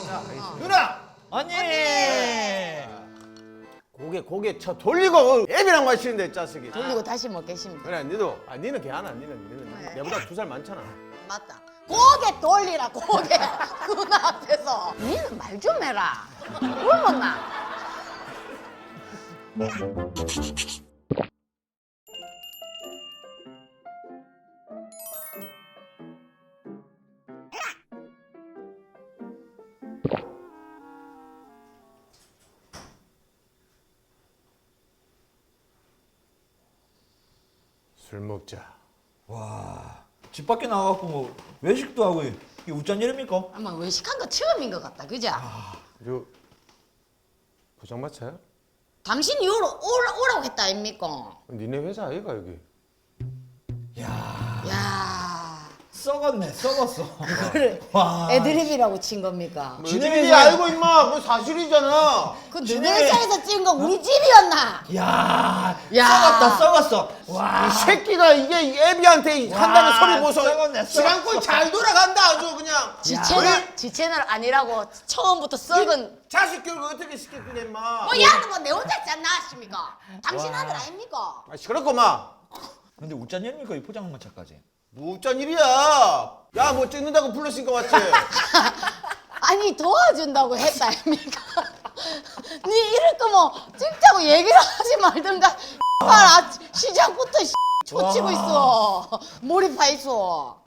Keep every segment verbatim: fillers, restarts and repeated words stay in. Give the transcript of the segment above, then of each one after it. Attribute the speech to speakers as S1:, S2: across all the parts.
S1: 자,
S2: 어.
S1: 누나!
S3: 언니.
S1: 고개 고개 쳐 돌리고 애비랑 마시는데 짜식이.
S2: 돌리고 다시 먹겠습니다.
S1: 그래, 니도. 아, 니는 걔하나, 니는 니는
S2: 네.
S1: 내보다 두 살 많잖아.
S2: 맞다. 고개 돌리라 고개. 누나 앞에서. 니는 말 좀 해라. 굶었나?
S1: 술 먹자.
S3: 와, 집 밖에 나가갖고 뭐 외식도 하고 이게 우짠 일입니까?
S2: 아마 외식한 거 처음인 것 같다. 그죠?
S1: 저 포장마차야?
S2: 당신이 오라, 오라, 오라고 했다 아닙니까?
S1: 니네 회사 아이가 여기?
S3: 야,
S2: 야
S3: 썩었네, 썩었어.
S2: 그래.
S3: 와,
S2: 애드립이라고 친 겁니까?
S1: 뭐
S3: 지네
S1: 애들이
S3: 회사-
S1: 알고 임마. 뭐 사실이잖아.
S2: 그
S3: 지네-
S2: 너네 회사에서 찍은 거 우리 집이었나?
S3: 야,
S2: 야.
S3: 썩었다, 썩었어. 와,
S1: 이 새끼가 이게 애비한테 한다는
S3: 와,
S1: 소리 보소.
S3: 썩었네,
S1: 시간꼴
S3: 썩었어.
S1: 잘 돌아간다 아주 그냥.
S2: 지
S3: 야.
S2: 채널, 지 채널 아니라고 처음부터 썩은.
S1: 자식 교육을 어떻게 시켰길래 임마.
S2: 뭐 야도 뭐내 혼자 있지 않나 하십니까? 당신 아들 아닙니까?
S1: 아, 시끄럽구만.
S3: 근데 우짠 일입니까 이 포장마차까지?
S1: 무짠 일이야. 야, 뭐 찍는다고 불렀으니까 왔지.
S2: 아니 도와준다고 했다 아닙니까? 니 이럴 거면 찍자고 얘기를 하지 말든가. 아, 시작부터 초치고 있어. 몰입해 있어.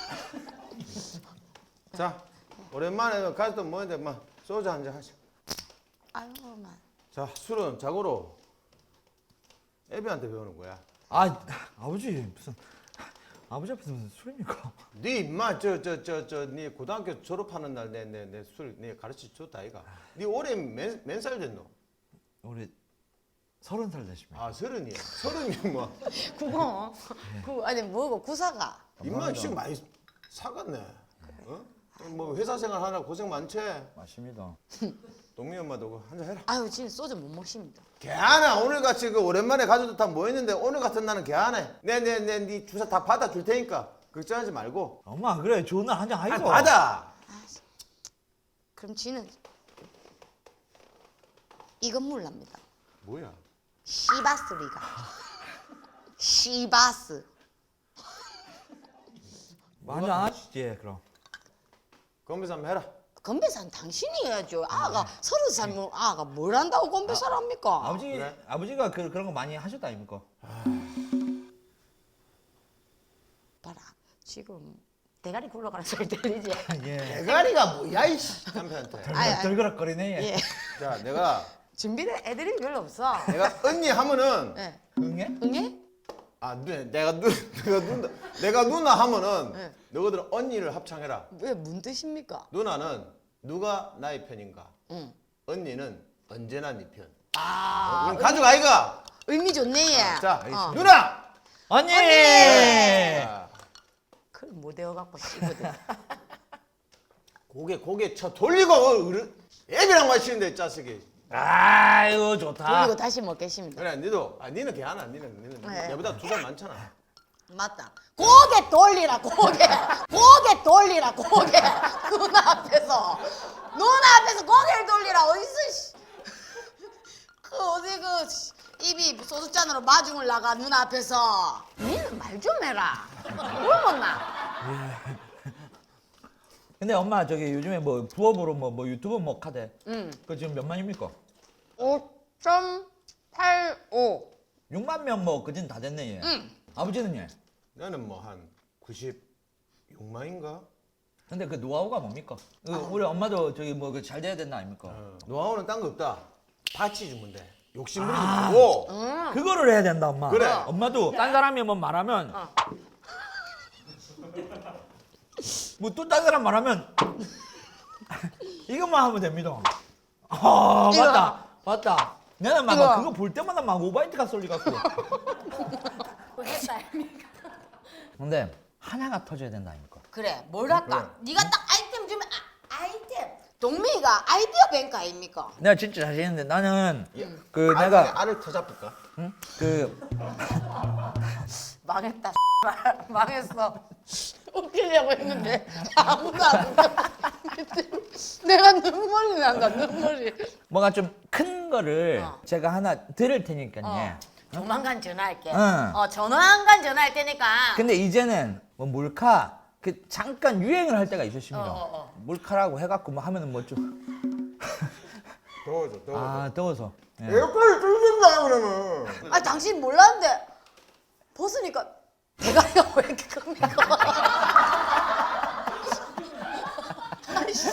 S1: 자, 오랜만에 가족도 모였는데 막 소주 한잔 하자.
S2: 아유만.
S1: 자, 술은 자고로 애비한테 배우는 거야.
S3: 아, 아버지 무슨 아버지 앞에서 무슨 술입니까?
S1: 네 임마 저 저 저 저 네 고등학교 졸업하는 날 내 내 내 술 네 가르치 줬다 아이가. 네 올해 몇살 됐노?
S3: 올해 서른 살 되십니다.
S1: 아, 서른이야. 서른이 뭐.
S2: 그거 그 아니 뭐고 구사가.
S1: 임마 지금 많이 사갔네. 어? 뭐 회사 생활 하나 고생 많지?
S3: 맞습니다.
S1: 동미 엄마도 한잔 해라.
S2: 아유 지금 소주 못 먹습니다.
S1: 개하나 오늘 같이 그 오랜만에 가족들 다 모였는데 오늘 같은 날은 개하네. 내내내네 주사 다 받아줄 테니까 걱정하지 말고.
S3: 엄마 그래 좋은 날 한잔
S1: 아니
S3: 하이고.
S1: 받아.
S2: 그럼 지는 이건 몰랍니다.
S1: 뭐야?
S2: 시바스리가. 시바스.
S3: 한잔 안 하시지 그럼.
S1: 건배사 한번 해라.
S2: 건배사는 당신이 해야죠. 아가 서른 살 먹은 아가 뭘 한다고 건배사를 합니까?
S3: 아버지
S1: 그래?
S3: 아버지가 그, 그런 거 많이 하셨다 아닙니까?
S2: 봐라 지금 대가리 굴러가는 소리 들리지?
S3: 예.
S1: 대가리가 뭐야 이씨 남편한테.
S2: 아이, 아이.
S3: 덜그락거리네.
S2: 예.
S1: 자, 내가
S2: 준비된 애들이 별로 없어.
S1: 내가 언니 하면은
S2: 예.
S3: 응애?
S2: 응애?
S1: 아, 누, 내가 누, 내가 누나, 내가 누나 하면은
S2: 네.
S1: 너희들 언니를 합창해라.
S2: 왜 뭔 뜻입니까?
S1: 누나는 누가 나의 편인가?
S2: 응.
S1: 언니는 언제나 네 편.
S2: 아
S1: 그럼 가족 아이가.
S2: 의미 좋네 얘.
S1: 자,
S2: 어.
S1: 누나.
S3: 언니!
S1: 자,
S2: 그걸 못 외워갖고 씹어대.
S1: 고개 고개 쳐 돌리고 어른- 애비랑 마시는데 짜식이.
S3: 아이고 좋다.
S2: 돌리고 다시 먹겠습니다.
S1: 그래, 니도. 아, 니는 걔하나, 니는 니는
S2: 네.
S1: 내보다 두 살 많잖아.
S2: 맞다. 고개 돌리라 고개. 고개 돌리라 고개. 누나 앞에서. 누나 앞에서 고개를 돌리라 어디서 씨. 그 어디 그 씨, 입이 소주잔으로 마중을 나가 누나 앞에서. 니는 말 좀 해라. 굶었나?
S3: 근데 엄마 저기 요즘에 뭐 부업으로 뭐, 뭐 유튜브 뭐 카대.
S2: 응.
S3: 그 지금 몇 만입니까?
S2: 오 점 팔오.
S3: 육만 명 뭐 그진 다 됐네 얘.
S2: 응.
S3: 아버지는 얘.
S1: 나는 뭐 한 구십육만인가?
S3: 근데 그 노하우가 뭡니까? 그 우리 엄마도 저기 뭐 그 잘 돼야 된다 아닙니까?
S1: 어, 노하우는 딴 거 없다. 파치 주면 돼. 욕심 부리지 말고.
S2: 응.
S3: 그거를 해야 된다 엄마.
S1: 그래.
S3: 엄마도 딴 사람이 뭐 말하면
S2: 어.
S3: 뭐 또 딴 사람 말하면 이것만 하면 됩니다. 아
S2: 이거.
S3: 맞다 맞다. 내가 막
S2: 이거.
S3: 그거 볼 때마다 막 오바이트가 쏠리갖고.
S2: 했다 아닙니까?
S3: 근데 하나가 터져야 된다 아닙니까?
S2: 그래 뭘 할까? 네가 딱 아이템 주면 아, 아이템. 동미가 아이디어 뱅크 아닙니까?
S3: 내가 진짜 자신 있는데 나는 그
S1: 알,
S3: 내가
S1: 알을 더 잡을까?
S3: 응? 그
S2: 망했다. 망했어. 웃기려고 했는데 아무도 안 웃겨. 내가 눈물이 난다 눈물이.
S3: 뭔가 좀 큰 거를
S2: 어.
S3: 제가 하나 들을 테니까요.
S2: 어. 조만간 전화할게.
S3: 응.
S2: 어 조만간 전화할 테니까.
S3: 근데 이제는 뭐 몰카 그 잠깐 유행을 할 때가 있었습니다.
S2: 어, 어, 어.
S3: 몰카라고 해갖고 뭐 하면은 뭐 좀
S1: 더워져 더워져.
S3: 아 더워서. 예.
S1: 에어컨이 뚫린다 그러면.
S2: 아 당신 몰랐는데 벗으니까 대가리가 왜 이렇게 큽니까? 아이씨.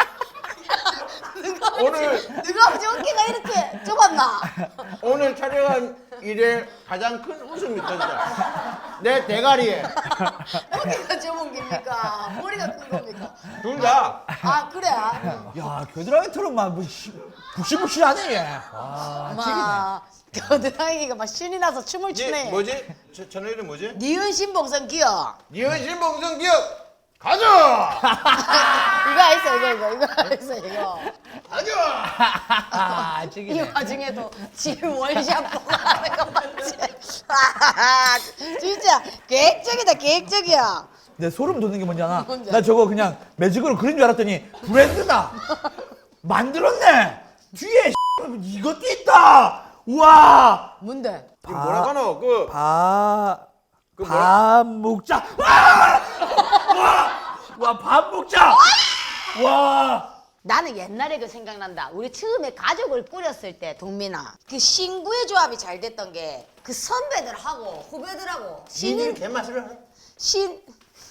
S2: 누가
S1: 오늘-
S2: 누가 아버지 어깨가 이렇게 좁았나?
S1: 오늘 촬영한 일의 가장 큰 웃음이 터졌다. 내 대가리에
S2: 어깨가 좁은 겁니까? 머리가 큰 겁니까?
S1: 둘 다.
S2: 아 그래?
S3: 야 겨드랑이처럼 막뭐 부시부시하네 얘. 와
S2: 마 겨드랑이가 막 신이 나서 춤을
S1: 니
S2: 추네.
S1: 뭐지? 저, 저너 이름 뭐지?
S2: 니은 신봉선 기억.
S1: 니은신 봉성 기억 가자.
S2: 이거 있어 이거 이거 이거 있어 이거.
S1: 가자.
S3: 아
S2: 이
S3: 찍이네.
S2: 와중에도 지금 원샷 보고 하는 거 맞지? 아, 진짜 계획적이다 계획적이야.
S3: 내 소름 돋는 게 뭔지 알아?
S2: 뭔지
S3: 나 저거 그냥 매직으로 그린 줄 알았더니 브랜드다. 만들었네. 뒤에 이것도 있다. 우와.
S2: 뭔데?
S1: 이 뭐라고 하노? 그
S3: 밥.
S1: 그
S3: 밥 먹자. 와! 와! 와, 밥 먹자. 와!
S2: 나는 옛날에 그 생각난다. 우리 처음에 가족을 꾸렸을 때 동민아 그 신구의 조합이 잘 됐던 게 그 선배들하고 후배들하고
S1: 신인
S2: 신인
S1: 개맛을 하네.
S2: 신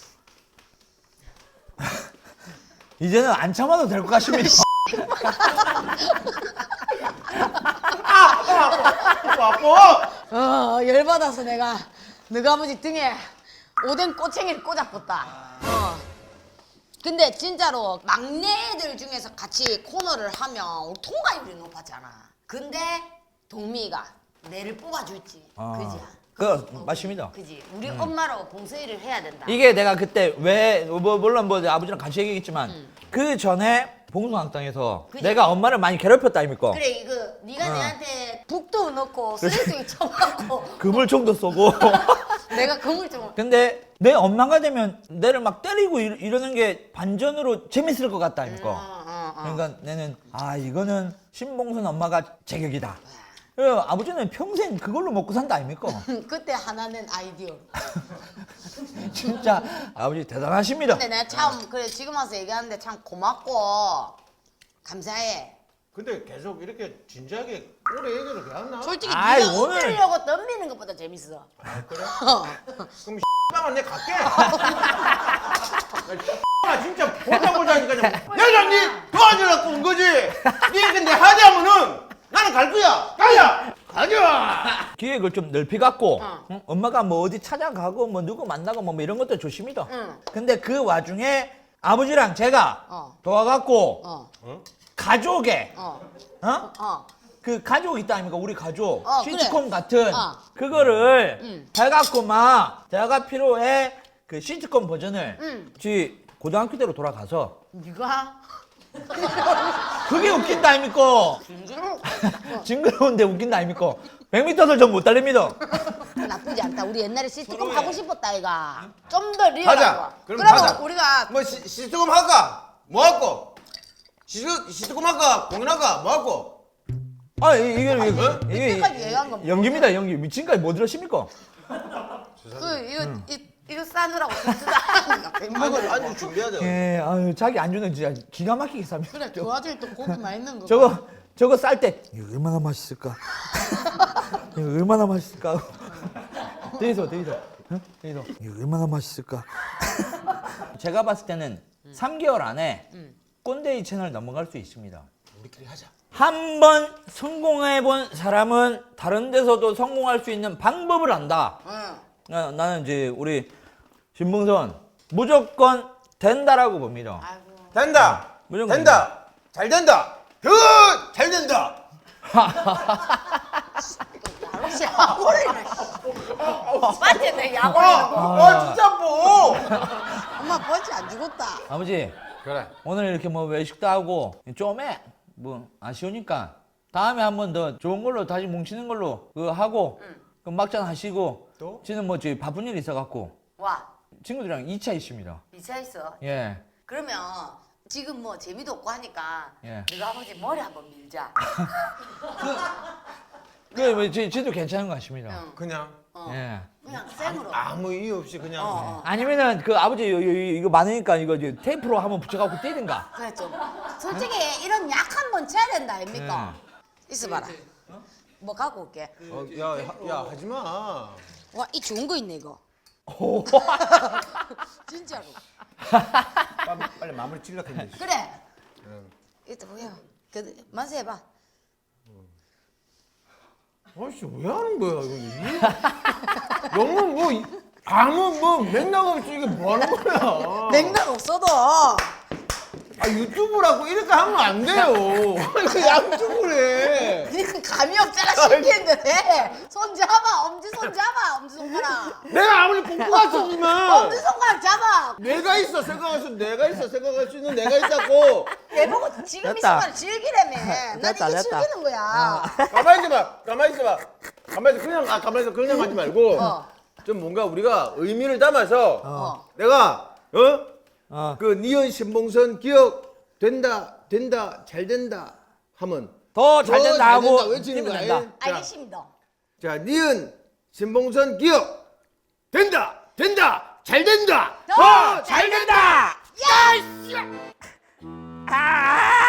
S3: 이제는 안 참아도 될 것 같습니다.
S1: 아빠.
S2: 어, 열받아서 내가 너가 아버지 등에 오뎅 꼬챙이를 꽂아봤다. 어. 근데 진짜로 막내들 중에서 같이 코너를 하면 우리 통과율이 높았잖아. 근데 동미가 내를 뽑아줄지.
S3: 아,
S2: 그지?
S3: 그 맞습니다.
S2: 그지? 우리 엄마로 봉쇄일을 해야 된다.
S3: 이게 내가 그때 왜 뭐, 물론 뭐 아버지랑 같이 얘기했지만 그 전에 봉숭아학당에서
S2: 그지?
S3: 내가 엄마를 많이 괴롭혔다 아닙니까?
S2: 그래 이거 네가
S3: 어.
S2: 내한테 북도 넣고 쓰레기 쳐갖고
S3: 그물총도 쏘고.
S2: 내가 그물 좀
S3: 근데 내 엄마가 되면 내를 막 때리고 이러, 이러는 게 반전으로 재밌을 것 같다 아닙니까?
S2: 어, 어, 어.
S3: 그러니까 내는 아 이거는 신봉선 엄마가 제격이다. 그래서 아버지는 평생 그걸로 먹고 산다 아닙니까?
S2: 그때 하나 낸 아이디어.
S3: 진짜 아버지 대단하십니다.
S2: 근데 내가 참 그래 지금 와서 얘기하는데 참 고맙고 감사해.
S1: 근데 계속 이렇게 진지하게 오래 얘기를 왜 안 나?
S2: 솔직히
S3: 아이,
S2: 네가
S3: 오늘-
S2: 웃기려고 덤비는 것보다 재밌어.
S1: 그래?
S2: 어.
S1: 그럼 X방은 내가 갈게. 나 진짜 보자 보자니까 내가 니 도와주려고 온 거지. 니 근데 하자면은 나는 갈 거야. 가자. 가자.
S3: 기획을 좀 넓히 갖고
S2: 어.
S3: 응? 엄마가 뭐 어디 찾아가고 뭐 누구 만나고 뭐 이런 것도 좋습니다.
S2: 응.
S3: 근데 그 와중에 아버지랑 제가
S2: 어.
S3: 도와갖고
S2: 어.
S3: 가족의
S2: 어.
S3: 어?
S2: 어.
S3: 그 가족 있다 아닙니까? 우리 가족
S2: 어,
S3: 시트콤
S2: 그래.
S3: 같은
S2: 어.
S3: 그거를
S2: 응.
S3: 해갖고 막 제가 필요해 그 시트콤 버전을
S2: 응.
S3: 지 고등학교 때로 돌아가서
S2: 네가
S3: 그게 웃긴다 아닙니까?
S2: 진짜로
S3: 징그러운데 웃긴다 아닙니까? 백 미터를 전 못 달립니다.
S2: 나쁘지 않다. 우리 옛날에 시트콤
S1: 서로의-
S2: 하고 싶었다 이가. 좀 더 리얼하고.
S1: 가자. 그럼
S2: 그러면
S1: 가자.
S2: 우리가
S1: 뭐 시, 시트콤 할까? 뭐 할까? 시트 시트콤 할까? 공연할까? 뭐 할까?
S3: 아 이- 이게 이게 이게
S2: 이때까지 얘기한 건
S3: 연기입니다 연기. 미친까지 뭐 들으십니까?
S2: 그 이거 이, 이거 싸느라고 진짜
S1: 아니 아니 준비해야 돼.
S3: 예, 아유 자기 안주는 진짜 기가 막히게 삽니다.
S2: 그래 그 와중에 또 고기 맛있는 거.
S3: 저거 저거 쌀 때 이거 얼마나 맛있을까? 이거 얼마나 맛있을까? 대이소 대이소 응? 대이소 이거 얼마나 맛있을까? 제가 봤을 때는 삼 개월 안에 꼰대이 채널 넘어갈 수 있습니다.
S1: 우리끼리 하자.
S3: 한 번 성공해본 사람은 다른 데서도 성공할 수 있는 방법을 안다.
S2: 응.
S3: 나, 나는 이제 우리 신봉선 무조건 된다라고 봅니다.
S2: 아이고.
S1: 된다.
S3: 무조건
S1: 된다. 잘 된다. 그잘 된다.
S2: 야로씨 약올리네. 맞지 내
S1: 어,
S2: 약올리는 거.
S1: 어 진짜 뭐.
S2: 엄마 버지 안 죽었다.
S3: 아버지
S1: 그래.
S3: 오늘 이렇게 뭐 외식도 하고 좀해 뭐 아쉬우니까 다음에 한 번 더 좋은 걸로 다시 뭉치는 걸로 그거 하고 그 막잔 하시고
S1: 또?
S3: 지는 뭐 저희 바쁜 일 있어갖고
S2: 와.
S3: 친구들이랑 이 차 있습니다.
S2: 미차 있어.
S3: 예.
S2: 그러면 지금 뭐 재미도 없고 하니까
S3: 예.
S2: 너가 아버지 머리 한번 밀자.
S3: 그래, 뭐, 지, 지도 괜찮은 것 같습니다.
S2: 응.
S1: 그냥
S2: 어.
S3: 예.
S2: 그냥 생으로.
S1: 아무 이유 없이 그냥.
S2: 어, 어.
S3: 아니면은 그 아버지 요, 요, 요, 이거 많으니까 이거 이제 테이프로 한번 붙여갖고 뛰든가.
S2: 그래 좀. 솔직히 이런 약 한 번 쳐야 된다 아닙니까?
S3: 예.
S2: 있어봐라. 뭐 갖고 올게.
S1: 어, 야, 야, 야, 하지 마.
S2: 와 이 좋은 거 있네 이거.
S3: 오.
S2: 진짜로.
S1: 빨리, 빨리 마무리 찔러겠네.
S2: 그래.
S1: 응.
S2: 이따 뭐야? 그 만세 해봐.
S1: 아씨 왜 하는 거야 이거? 너무 뭐 이- 아무 뭐 맥락 없이 이게 뭐 하는 거야?
S2: 맥락 없어도
S1: 아 유튜브라고 이렇게 하면 안 돼요. 왜 양쪽을 해?
S2: 그냥 감이 없잖아 신기했는데. 손 잡아 엄지 손 잡아 엄지 손가락.
S1: 내가 아무리 공부 갔었지만
S2: 엄지 손가락 잡아.
S1: 내가 있어 생각할 수 내가 있어 생각할 수 있는 내가 있다고.
S2: 내 보고 지금 이
S3: 됐다.
S2: 순간 즐기라며. 난
S3: 됐다,
S2: 이게
S3: 됐다.
S2: 즐기는 거야.
S1: 가만히 있어봐. 가만히 있어봐. 가만히 있어. 그냥 아 가만히 있어. 그냥 하지 말고
S2: 어.
S1: 좀 뭔가 우리가 의미를 담아서
S2: 어.
S1: 내가 어?
S3: 어.
S1: 그 니은 신봉선 기억 된다 된다 잘 된다 하면
S3: 더 잘 된다
S1: 잘
S3: 하고
S1: 된다 외치는
S3: 뛰면
S1: 거야.
S3: 된다.
S1: 자,
S2: 알겠습니다.
S1: 자 니은 신봉선 기억 된다 된다 잘 된다
S2: 더
S1: 잘 된다.
S2: 야!
S3: 아!